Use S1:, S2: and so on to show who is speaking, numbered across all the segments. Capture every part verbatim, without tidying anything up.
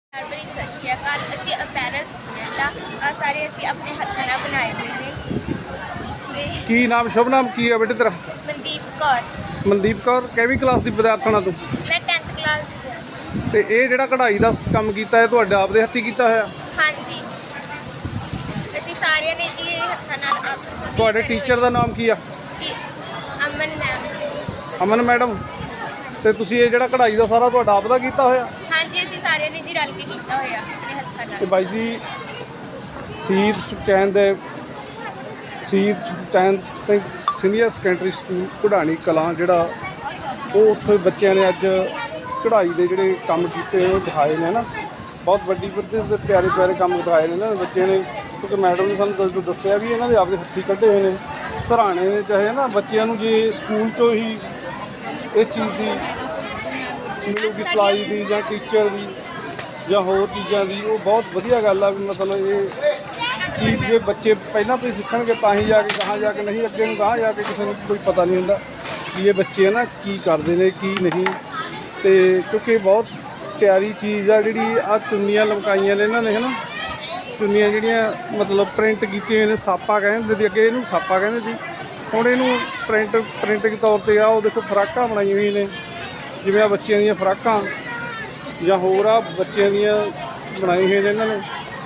S1: ਬੜੀ ਸਤਿ ਸ਼੍ਰੀ ਅਕਾਲ। ਅਸੀਂ ਅਪੈਰਲ ਸਟੂਡੈਂਟ ਆ। ਸਾਰੇ ਅਸੀਂ ਆਪਣੇ ਹੱਥਾਂ ਨਾਲ ਬਣਾਏ ਹੋਏ ਨੇ।
S2: ਕੀ ਨਾਮ ਸ਼ੁਭ ਨਾਮ ਕੀ ਹੈ ਬੇਟੇ ਤੇਰਾ?
S1: ਮਨਦੀਪ ਕੌਰ।
S2: ਮਨਦੀਪ ਕੌਰ। ਕਿਹੜੀ ਕਲਾਸ ਦੀ ਵਿਦਿਆਰਥਣ ਤੂੰ?
S1: ਮੈਂ ਟੈਂਥ ਕਲਾਸ ਦੀ ਹਾਂ।
S2: ਤੇ ਇਹ ਜਿਹੜਾ ਕਢਾਈ ਦਾ ਕੰਮ ਕੀਤਾ ਹੈ ਤੁਹਾਡਾ ਆਪਦੇ ਹੱਥੀਂ ਕੀਤਾ ਹੋਇਆ?
S1: ਹਾਂਜੀ, ਅਸੀਂ ਸਾਰਿਆਂ ਨੇ ਜੀ ਇਹ ਹੱਥਾਂ ਨਾਲ ਆਪ
S2: ਤੁਹਾਡੇ ਟੀਚਰ ਦਾ ਨਾਮ ਕੀ ਆ?
S1: ਜੀ, ਅਮਨ ਮੈਮ।
S2: ਅਮਨ ਮੈਡਮ। ਤੇ ਤੁਸੀਂ ਇਹ ਜਿਹੜਾ ਕਢਾਈ ਦਾ ਸਾਰਾ ਤੁਹਾਡਾ ਆਪਦਾ ਕੀਤਾ ਹੋਇਆ?
S1: ਹਾਂਜੀ, ਅਸੀਂ ਸਾਰਿਆਂ ਨੇ ਜੀ ਰਲ ਕੇ ਕੀਤਾ ਹੋਇਆ ਆਪਣੇ ਹੱਥਾਂ
S2: ਤੇ
S1: ਨਾਲ।
S2: ਬਾਈ ਜੀ ਸ਼ਹੀਦ ਸੁਖਚੈਨ ਦੇ Shaheed Sukhchain Singh senior secondary school Kadhani Kalan ਜਿਹੜਾ ਉਹ ਉੱਥੇ ਬੱਚਿਆਂ ਨੇ ਅੱਜ ਕਢਾਈ ਦੇ ਜਿਹੜੇ ਕੰਮ ਕੀਤੇ ਉਹ ਦਿਖਾਏ ਨੇ ਨਾ। ਬਹੁਤ ਵੱਡੀ ਪੱਧਰ ਦੇ ਪਿਆਰੇ ਪਿਆਰੇ ਕੰਮ ਦਿਖਾਏ ਨੇ ਨਾ ਬੱਚਿਆਂ ਨੇ, ਕਿਉਂਕਿ ਮੈਡਮ ਨੇ ਸਾਨੂੰ ਦੱਸ ਦੱਸਿਆ ਵੀ ਇਹਨਾਂ ਦੇ ਆਪਦੇ ਹੱਥੀਂ ਕੱਢੇ ਹੋਏ ਨੇ ਸਰਾਣੇ ਨੇ। ਚਾਹੇ ਨਾ ਬੱਚਿਆਂ ਨੂੰ ਜੇ ਸਕੂਲ 'ਚੋਂ ਹੀ ਇਹ ਚੀਜ਼ ਦੀ ਮਿਲੂਗੀ ਸਿਲਾਈ ਦੀ ਜਾਂ ਟੀਚਰ ਦੀ ਜਾਂ ਹੋਰ ਚੀਜ਼ਾਂ ਦੀ, ਉਹ ਬਹੁਤ ਵਧੀਆ ਗੱਲ ਆ ਵੀ ਮਤਲਬ ਇਹ ਚੀਜ਼ ਜੇ ਬੱਚੇ ਪਹਿਲਾਂ ਤੋਂ ਹੀ ਸਿੱਖਣਗੇ ਤਾਂ ਹੀ ਜਾ ਕੇ ਕਹਾਂ ਜਾ ਕੇ, ਨਹੀਂ ਅੱਗੇ ਨੂੰ ਕਹਾਂ ਜਾ ਕੇ ਕਿਸੇ ਨੂੰ ਕੋਈ ਪਤਾ ਨਹੀਂ ਹੁੰਦਾ ਕਿ ਇਹ ਬੱਚੇ ਹੈ ਨਾ ਕੀ ਕਰਦੇ ਨੇ ਕੀ ਨਹੀਂ। ਤੇ ਕਿਉਂਕਿ ਬਹੁਤ ਪਿਆਰੀ ਚੀਜ਼ ਆ ਜਿਹੜੀ ਆ ਚੁੰਨੀਆਂ ਲਮਕਾਈਆਂ ਨੇ ਇਹਨਾਂ ਨੇ ਹੈ ਨਾ, ਚੁੰਨੀਆਂ ਜਿਹੜੀਆਂ ਮਤਲਬ ਪ੍ਰਿੰਟ ਕੀਤੀਆਂ ਨੇ, ਸਾਪਾ ਕਹਿੰਦੇ ਸੀ ਅੱਗੇ ਇਹਨੂੰ, ਸਾਪਾ ਕਹਿੰਦੇ ਸੀ, ਹੁਣ ਇਹਨੂੰ ਪ੍ਰਿੰਟ ਪ੍ਰਿੰਟ ਦੇ ਤੌਰ 'ਤੇ ਆ ਉਹ ਦੇਖੋ ਫਰਾਕਾਂ ਬਣਾਈਆਂ ਹੋਈਆਂ ਨੇ, ਜਿਵੇਂ ਆ ਬੱਚਿਆਂ ਦੀਆਂ ਫਰਾਕਾਂ ਜਾਂ ਹੋਰ ਆ ਬੱਚਿਆਂ ਦੀਆਂ ਬਣਾਈ ਹੋਈਆਂ ਨੇ ਇਹਨਾਂ ਨੇ।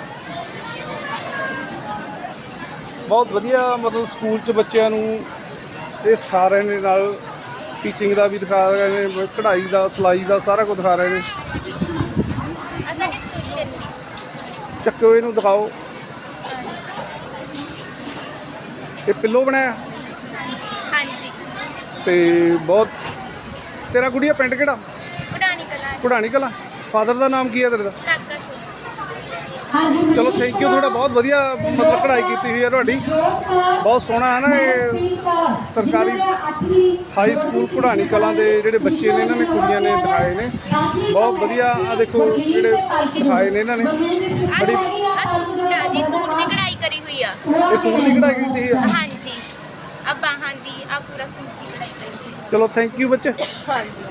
S2: ਬਹੁਤ ਵਧੀਆ ਮਤਲਬ ਸਕੂਲ 'ਚ ਬੱਚਿਆਂ ਨੂੰ ਇਹ ਸਿਖਾ ਰਹੇ ਨੇ, ਨਾਲ ਟੀਚਿੰਗ ਦਾ ਵੀ ਦਿਖਾ ਰਹੇ ਨੇ, ਕਢਾਈ ਦਾ ਸਿਲਾਈ ਦਾ ਸਾਰਾ ਕੁਝ ਦਿਖਾ ਰਹੇ ਨੇ।
S1: ਅਸਾਂ ਨੇ ਟਿਊਸ਼ਨ ਦੀ
S2: ਚੱਕੋ ਇਹਨੂੰ ਦਿਖਾਓ। ਇਹ ਪਿੱਲੋ ਬਣਾਇਆ
S1: ਹਾਂਜੀ,
S2: ਤੇ ਬਹੁਤ ਤੇਰਾ ਗੁੜੀਆ ਪਿੰਡ ਕਿਹੜਾ?
S1: ਕਢਾਣੀ ਕਲਾਂ
S2: ਕਢਾਣੀ ਕਲਾਂ। ਫਾਦਰ ਦਾ ਨਾਮ ਕੀ ਹੈ ਤੇਰੇ ਦਾ?
S1: ਕਾਕਾ ਸਿੰਘ।
S2: ਚਲੋ ਥੈਂਕ ਯੂ ਤੁਹਾਡਾ, ਬਹੁਤ ਵਧੀਆ ਮਤਲਬ ਕਢਾਈ ਕੀਤੀ ਹੋਈ ਹੈ ਤੁਹਾਡੀ, ਬਹੁਤ ਸੋਹਣਾ ਹੈ ਨਾ। ਇਹ ਸਰਕਾਰੀ ਹਾਈ ਸਕੂਲ ਕਢਾਣੀ ਕਲਾਂ ਦੇ ਜਿਹੜੇ ਬੱਚੇ ਨੇ ਇਹਨਾਂ ਨੇ ਕੁੜੀਆਂ ਨੇ ਦਿਖਾਏ ਨੇ, ਬਹੁਤ ਵਧੀਆ। ਆ ਦੇਖੋ ਜਿਹੜੇ ਦਿਖਾਏ ਨੇ ਇਹਨਾਂ ਨੇ ਬੜੀ।
S1: ਆ ਸੂਟ ਆ ਜੀ, ਸੂਟ ਦੀ ਕਢਾਈ ਕਰੀ ਹੋਈ ਆ।
S2: ਇਹ ਸੂਟ ਦੀ ਕਢਾਈ ਕੀਤੀ ਹੋਈ ਹੈ?
S1: ਹਾਂਜੀ, ਆ ਬਾਹਾਂ ਦੀ, ਆ ਪੂਰਾ ਸੂਟ ਦੀ ਕਢਾਈ ਕਰੀ ਹੋਈ ਆ।
S2: ਚਲੋ ਥੈਂਕ ਯੂ ਬੱਚੇ।
S1: ਹਾਂਜੀ।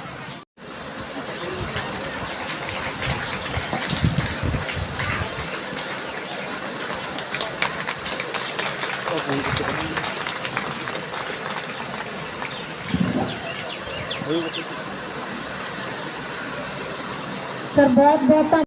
S3: ਸਰ ਬਹੁਤ ਬਹੁਤ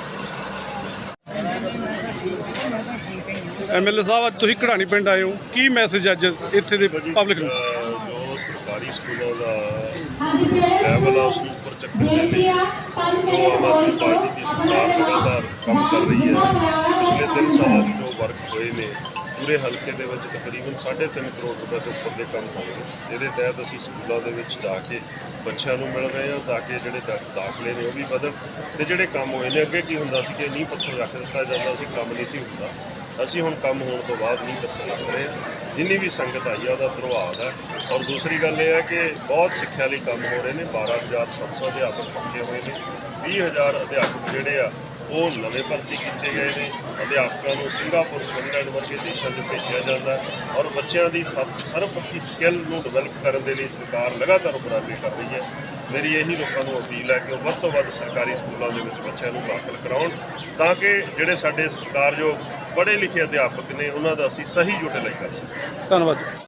S2: ਐਮਐਲਏ ਸਾਹਿਬ ਅੱਜ ਤੁਸੀਂ ਕਢਾਣੀ ਪਿੰਡ ਆਏ ਹੋ, ਕੀ ਮੈਸੇਜ ਅੱਜ ਇੱਥੇ ਦੇ ਪਬਲਿਕ ਨੂੰ?
S4: ਜੋ ਸਰਕਾਰੀ ਸਕੂਲਾਂ ਦਾ ਲੈਵਲ ਆ ਉਸ ਨੂੰ ਉੱਪਰ ਚੱਕਣ ਦੇ ਲਈ ਜੋ ਆਮ ਆਦਮੀ ਪਾਰਟੀ ਦੀ ਸਰਕਾਰ ਲਗਾਤਾਰ ਕੰਮ ਕਰ ਰਹੀ ਹੈ। ਪਿਛਲੇ ਤਿੰਨ ਸਾਲਾਂ ਜੋ ਵਰਕ ਹੋਏ ਨੇ ਪੂਰੇ ਹਲਕੇ ਦੇ ਵਿੱਚ ਤਕਰੀਬਨ ਸਾਢੇ ਤਿੰਨ ਕਰੋੜ ਰੁਪਏ ਤੋਂ ਉੱਪਰ ਦੇ ਕੰਮ ਹੋਏ ਨੇ, ਜਿਹਦੇ ਤਹਿਤ ਅਸੀਂ ਸਕੂਲਾਂ ਦੇ ਵਿੱਚ ਜਾ ਕੇ ਬੱਚਿਆਂ ਨੂੰ ਮਿਲ ਰਹੇ ਹਾਂ ਤਾਂ ਕਿ ਜਿਹੜੇ ਦਾ ਦਾਖਲੇ ਨੇ ਉਹ ਵੀ ਵਧਣ। ਤੇ ਜਿਹੜੇ ਕੰਮ ਹੋਏ ਨੇ, ਅੱਗੇ ਕੀ ਹੁੰਦਾ ਸੀ ਕਿ ਨੀਂਹ ਪੱਥਰ ਰੱਖ ਦਿੱਤਾ ਜਾਂਦਾ ਸੀ, ਕੰਮ ਨਹੀਂ ਸੀ ਹੁੰਦਾ। ਅਸੀਂ ਹੁਣ ਕੰਮ ਹੋਣ ਤੋਂ ਬਾਅਦ ਨੀਂਹ ਪੱਥਰ ਰੱਖ ਰਹੇ ਹਾਂ। ਜਿੰਨੀ ਵੀ ਸੰਗਤ ਆਈ ਆ ਉਹਦਾ ਪ੍ਰਭਾਵ ਹੈ। ਔਰ ਦੂਸਰੀ ਗੱਲ ਇਹ ਹੈ ਕਿ ਬਹੁਤ ਸਿੱਖਿਆ ਲਈ ਕੰਮ ਹੋ ਰਹੇ ਨੇ। ਬਾਰਾਂ ਹਜ਼ਾਰ ਸੱਤ ਸੌ ਅਧਿਆਪਕ ਪੱਕੇ ਹੋਏ ਨੇ, ਵੀਹ ਹਜ਼ਾਰ ਅਧਿਆਪਕ ਜਿਹੜੇ ਆ ਉਹ ਨਵੇਂ ਭਰਤੀ ਕੀਤੇ ਗਏ ਨੇ। ਅਧਿਆਪਕਾਂ ਨੂੰ ਸਿੰਗਾਪੁਰ, ਫਿਨਲੈਂਡ ਵਰਗੇ ਦੇਸ਼ਾਂ 'ਚ ਭੇਜਿਆ ਜਾਂਦਾ ਔਰ ਬੱਚਿਆਂ ਦੀ ਸਰਵਪੱਖੀ ਸਕਿੱਲ ਨੂੰ ਡਿਵੈਲਪ ਕਰਨ ਦੇ ਲਈ ਸਰਕਾਰ ਲਗਾਤਾਰ ਉਪਰਾਲੇ ਕਰ ਰਹੀ ਹੈ। ਮੇਰੀ ਇਹੀ ਲੋਕਾਂ ਨੂੰ ਅਪੀਲ ਹੈ ਕਿ ਉਹ ਵੱਧ ਤੋਂ ਵੱਧ ਸਰਕਾਰੀ ਸਕੂਲਾਂ ਦੇ ਵਿੱਚ ਬੱਚਿਆਂ ਨੂੰ ਦਾਖਲ ਕਰਾਉਣ ਤਾਂ ਕਿ ਜਿਹੜੇ ਸਾਡੇ ਸਰਕਾਰਯੋਗ ਪੜ੍ਹੇ ਲਿਖੇ ਅਧਿਆਪਕ ਨੇ ਉਹਨਾਂ ਦਾ ਅਸੀਂ ਸਹੀ ਯੂਟੀਲਾਈਜ਼ ਕਰ ਸਕੀਏ।
S2: ਧੰਨਵਾਦ।